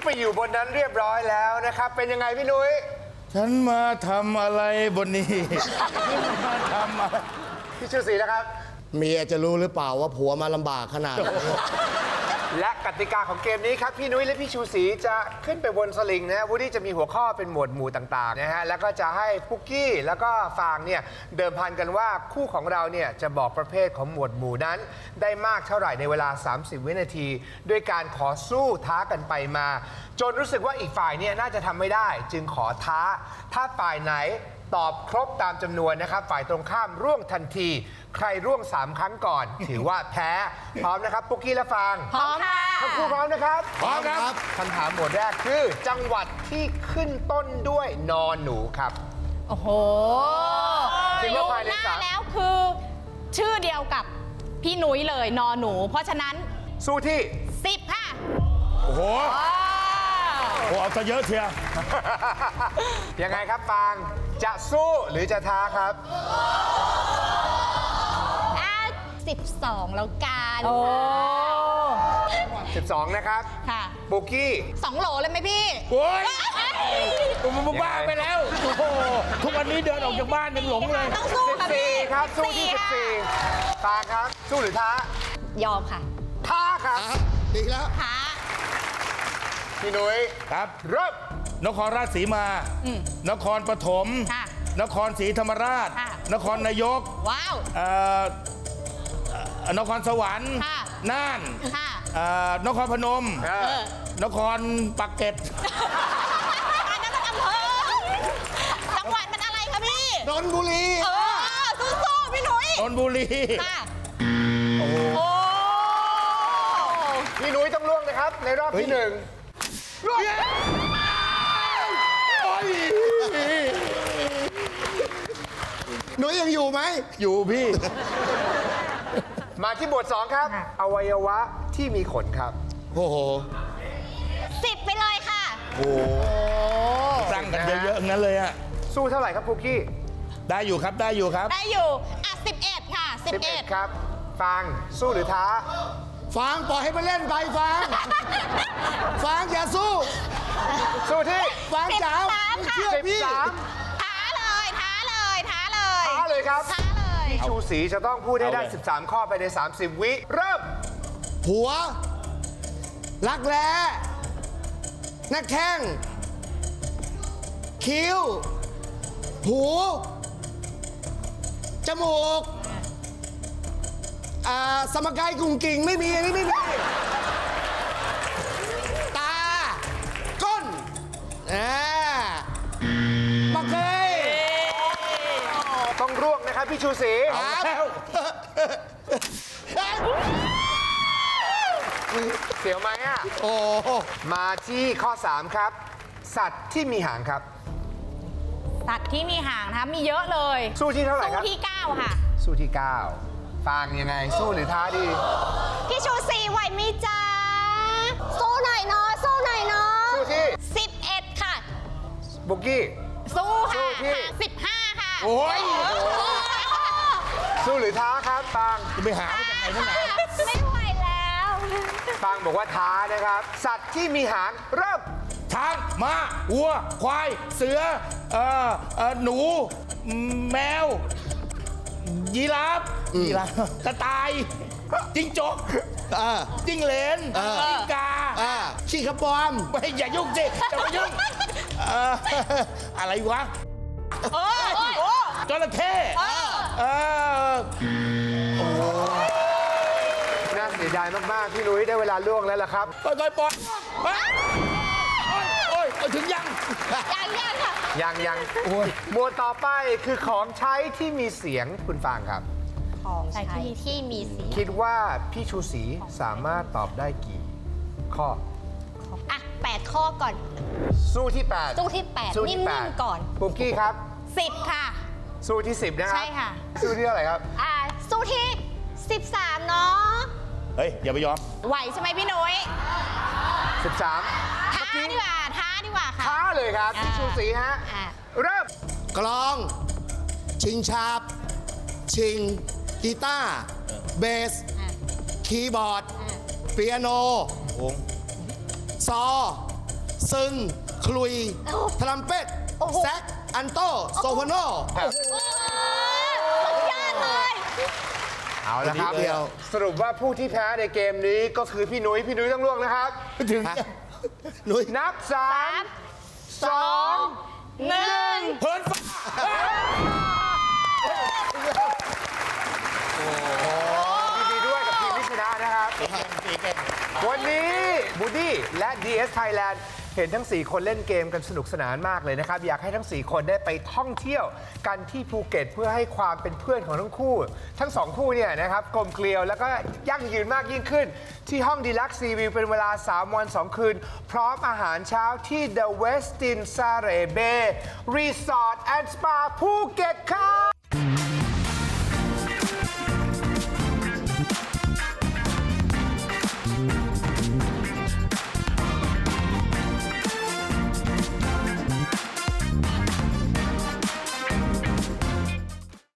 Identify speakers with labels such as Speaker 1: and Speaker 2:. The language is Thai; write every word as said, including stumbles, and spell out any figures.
Speaker 1: ไปอยู่บนนั้นเรียบร้อยแล้วนะครับเป็นยังไงพี่นุ้ย
Speaker 2: ฉันมาทำอะไรบนนี้มาทำอะไร
Speaker 1: พี่ชูศรีนะครับ
Speaker 3: เมียจะรู้หรือเปล่าว่าผัวมาลำบากขนาดนี้
Speaker 1: และกติกาของเกมนี้ครับพี่นุ้ยและพี่ชูศรีจะขึ้นไปบนสลิงนะฮะวูดดี้จะมีหัวข้อเป็นหมวดหมู่ต่างๆนะฮะแล้วก็จะให้ปุกกี้แล้วก็ฟางเนี่ยเดิมพันกันว่าคู่ของเราเนี่ยจะบอกประเภทของหมวดหมู่นั้นได้มากเท่าไหร่ในเวลาสามสิบวินาทีด้วยการขอสู้ท้ากันไปมาจนรู้สึกว่าอีกฝ่ายเนี่ยน่าจะทำไม่ได้จึงขอท้าถ้าฝ่ายไหนตอบครบตามจำนวนนะครับฝ่ายตรงข้ามร่วงทันทีใครร่วงสามครั้งก่อน ถือว่าแพ้พร้อมนะครับปุกกี้และฟาง
Speaker 4: พร้อมค่ะ
Speaker 1: ทั้งคู่พร้อมนะครับ
Speaker 2: พร้อมครับ
Speaker 1: คำถามหมวดแรกคือจังหวัดที่ขึ้นต้นด้วยนอหนูครับ
Speaker 4: โอ้โห
Speaker 1: คิดว่าภายใน
Speaker 4: หน้า
Speaker 1: สาม
Speaker 4: แล้วคือชื่อเดียวกับพี่นุ้ยเลยนอหนูเพราะฉะนั้น
Speaker 1: สู้ที่
Speaker 4: สิบค่ะ
Speaker 2: โอ้โหโอ้เอาซะเยอะเชียว
Speaker 1: ยังไงครับฟางจะสู้หรือจะท้าครับ
Speaker 4: สิบสองแล้วกัน
Speaker 1: สิบสองนะครับ
Speaker 4: ค่ะ
Speaker 1: ปุกกี้
Speaker 4: สองโหลเลยไหมพี่
Speaker 2: โอ้ยกูมึงบ้าไปแล้วโอ้โหทุกวันนี้เดินออกจากบ้านยังหลงเลย
Speaker 4: ต้องสู้ค่ะพี่
Speaker 1: ครับสู้ที่สิบสี่ฟางครับสู้หรือท้าย
Speaker 4: อมค่ะ
Speaker 1: ท้าครับ
Speaker 3: ดีแล้ว
Speaker 4: ท้า
Speaker 1: พี่นุ้ย
Speaker 2: ครับ
Speaker 1: เริ่ม
Speaker 2: นครราชสีมานครปฐมนครศรีธรรมราชนครนายก
Speaker 4: ว้า
Speaker 2: วนครสวรรค์น่านนครพนมนครปักเกร็ด
Speaker 4: อันนั้นมันอำเภอจังหวัดมันอะไรคะพี่
Speaker 3: นนทบุรี
Speaker 4: เออสู้ๆพี่หนุ่ย
Speaker 2: นนทบุรี
Speaker 4: โอ้โห
Speaker 1: พี่นุ้ยต้องล่วงนะครับในรอบที่หนึ่งล่วง
Speaker 3: หนูยังอยู่ไหม
Speaker 2: อยู่พี่
Speaker 1: มาที่บทสองครับอวัยวะที่มีขนครับ
Speaker 3: โอ้โห
Speaker 4: สิบไปเลยค่ะ
Speaker 2: โอ้ตั้งกันเยอะๆงั้นเลยอะ
Speaker 1: สู้เท่าไหร่ครับปุกกี้
Speaker 2: ได้อยู่ครับได้อยู่ครับ
Speaker 4: ได้อยู่อ่ะสิบเอ็ดค่ะสิบเอ็ด
Speaker 1: ครับฟางสู้หรือท้า
Speaker 3: ฟางปล่อยให้มาเล่นไปฟางฟางอย่าสู้
Speaker 1: สู้ที่
Speaker 3: ฟางจ๋าเชื่อพี่
Speaker 4: ท้าเลยท้าเลยท้าเลย
Speaker 1: ท้าเลยครับ
Speaker 4: ท้าเลย
Speaker 1: พี่ชูศรีจะต้องพูดให้ได้สิบสามข้อไปในสามสิบวิเริ่ม
Speaker 3: หัวรักแร้หน้าแข้งคิ้วหูจมูกอ่าสมการกุ้งกิ่งไม่มีอันนี้ไม่มีตาก้นอ่ามาเคย
Speaker 1: ต้องร่วงนะครับพี่ชูศรีเสียวไหมอ่ะ
Speaker 3: โอ้
Speaker 1: มาที่ข้อสามครับสัตว์ที่มีหางครับ
Speaker 4: สัตว์ที่มีหางนะคะมีเยอะเลย
Speaker 1: สู้ที่เท่าไหร่ครับ
Speaker 4: สู้ที่เก้าค่ะ
Speaker 1: สู้ที่เก้าฟางยังไงสู้หรือท้าดี
Speaker 4: พี่ชูศรีไหวมีจ้าสู้หน่อยเนาะสู้หน่อยเนาะ
Speaker 1: สู้ที่
Speaker 4: สิบเอ็ดค่ะ
Speaker 1: บุกกี้
Speaker 4: สู้ค่ะสิบห้าค่ะ
Speaker 2: โอ้ย
Speaker 1: สู้หรือท้าครับฟาง
Speaker 2: จะไปหามาจากไหนนั่นไหน
Speaker 4: ไม่ไหวแล้ว
Speaker 1: ฟางบอกว่าท้านะครับสัตว์ที่มีหางเริ่ม
Speaker 2: ช้างม้าวัวควายเสือเอ่อเอ่อหนูแมวยีราฟยีราฟกระต่ายจิ้งจกจิ้งเหลนจิ้งกา
Speaker 3: ขี้กระปอม
Speaker 2: ไม่อย่ายุ่งสิจะมายุ่งอะไรวะจระเข้
Speaker 1: น่าเสียดายมากๆพี่นุ้ยได้เวลาล่วงแล้วล่ะครับ
Speaker 2: ค่อยๆปล่อยโอ้ยถึงยัง
Speaker 4: ยังยังค่ะ
Speaker 1: ยังยังหมวดต่อไปคือของใช้ที่มีเสียงคุณฟางครับ
Speaker 4: ของใช้ที่มีเสียง
Speaker 1: คิดว่าพี่ชูศรีสามารถตอบได้กี่ข้อ
Speaker 4: อ่ะแปดข้อก่อน
Speaker 1: สู้ที่แปด
Speaker 4: สู้ที่แปดนิ่มๆก่อน
Speaker 1: ปุกกี้ครับ
Speaker 4: สิบค่ะ
Speaker 1: สู้ที่สิบนะครับ
Speaker 4: ใช่ค่ะ
Speaker 1: สู้ที่เท่าไหร่ครับ
Speaker 4: อ่าสู้ที่สิบสามเนาะ
Speaker 2: เฮ้ยอย่าไปยอม
Speaker 4: ไหวใช่ไหมพี่นุ้ย
Speaker 1: สิบสาม
Speaker 4: ท้าดีกว่าท้าดีกว่าค่ะ
Speaker 1: ท้าเลยครับพี่ชูศรีฮะเริ่ม
Speaker 3: กลองชิงชาบชิงกีตาร์เบสคีย์บอร์ดเปียโนซอซึง คลุย ทรัมเป็ต แซก อันโต โซโพโน
Speaker 4: โอ้โหสุดยอดเลย
Speaker 1: เอาละครับ
Speaker 3: คนเดียว
Speaker 1: สรุปว่าผู้ที่แพ้ในเกมนี้ก็คือพี่นุ้ยพี่นุ้ยต้องล่วงนะครับ
Speaker 2: ถึง
Speaker 3: ฮะนุ้ย
Speaker 1: นับสามสองหนึ่ง
Speaker 2: เฮิร์นฟ้า
Speaker 1: ยินดีด้วยกับทีมที่ชนะนะครับ วันนี้บูดี้และ ดี เอส Thailand เห็นทั้ง สี่ คนเล่นเกมกันสนุกสนานมากเลยนะครับ อยากให้ทั้ง สี่ คนได้ไปท่องเที่ยวกันที่ภูเก็ตเพื่อให้ความเป็นเพื่อนของทั้งคู่ ทั้งสองคู่เนี่ยนะครับกลมเกลียวแล้วก็ยั่งยืนมากยิ่งขึ้น ที่ห้องดีลักซ์ซีวิวเป็นเวลา สาม วัน สอง คืน พร้อมอาหารเช้าที่ The Westin Sare Bay Resort and Spa ภูเก็ตครับ